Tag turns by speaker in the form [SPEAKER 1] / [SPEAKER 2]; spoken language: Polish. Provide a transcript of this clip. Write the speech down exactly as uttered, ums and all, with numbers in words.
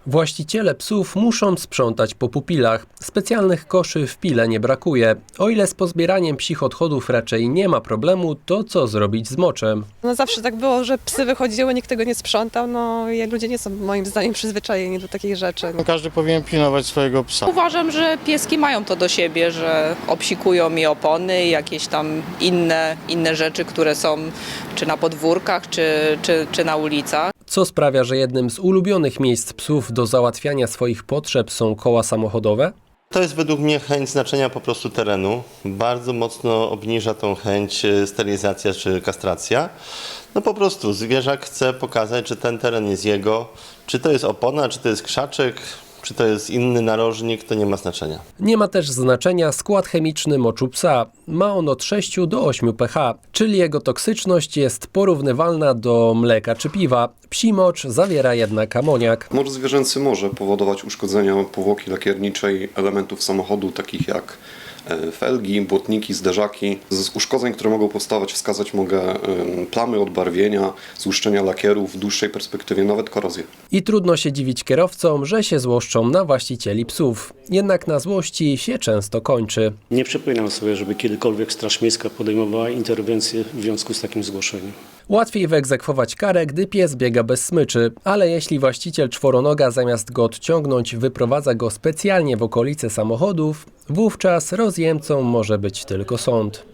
[SPEAKER 1] Właściciele psów muszą sprzątać po pupilach. Specjalnych koszy w pile nie brakuje. O ile z pozbieraniem psich odchodów raczej nie ma problemu, to co zrobić z moczem?
[SPEAKER 2] No zawsze tak było, że psy wychodziły, nikt tego nie sprzątał, no i ludzie nie są moim zdaniem przyzwyczajeni do takich rzeczy.
[SPEAKER 3] No, każdy powinien pilnować swojego psa.
[SPEAKER 4] Uważam, że pieski mają to do siebie, że obsikują mi opony i jakieś tam inne, inne rzeczy, które są czy na podwórkach, czy, czy, czy na ulicach.
[SPEAKER 1] Co sprawia, że jednym z ulubionych miejsc psów do załatwiania swoich potrzeb są koła samochodowe?
[SPEAKER 5] To jest według mnie chęć znaczenia po prostu terenu. Bardzo mocno obniża tą chęć sterylizacja czy kastracja. No po prostu zwierzak chce pokazać, że ten teren jest jego. Czy to jest opona, czy to jest krzaczek, czy to jest inny narożnik, to nie ma znaczenia.
[SPEAKER 1] Nie ma też znaczenia skład chemiczny moczu psa. Ma on od sześciu do ośmiu pH, czyli jego toksyczność jest porównywalna do mleka czy piwa. Psi mocz zawiera jednak amoniak.
[SPEAKER 6] Mocz zwierzęcy może powodować uszkodzenia powłoki lakierniczej elementów samochodu, takich jak felgi, błotniki, zderzaki. Z uszkodzeń, które mogą powstawać, wskazać mogę plamy odbarwienia, złuszczenia lakieru, w dłuższej perspektywie nawet korozję.
[SPEAKER 1] I trudno się dziwić kierowcom, że się złoszczą na właścicieli psów. Jednak na złości się często kończy.
[SPEAKER 7] Nie przypominam sobie, żeby kiedykolwiek Straż Miejska podejmowała interwencję w związku z takim zgłoszeniem.
[SPEAKER 1] Łatwiej wyegzekwować karę, gdy pies biega bez smyczy, ale jeśli właściciel czworonoga zamiast go odciągnąć wyprowadza go specjalnie w okolice samochodów, wówczas rozjemcą może być tylko sąd.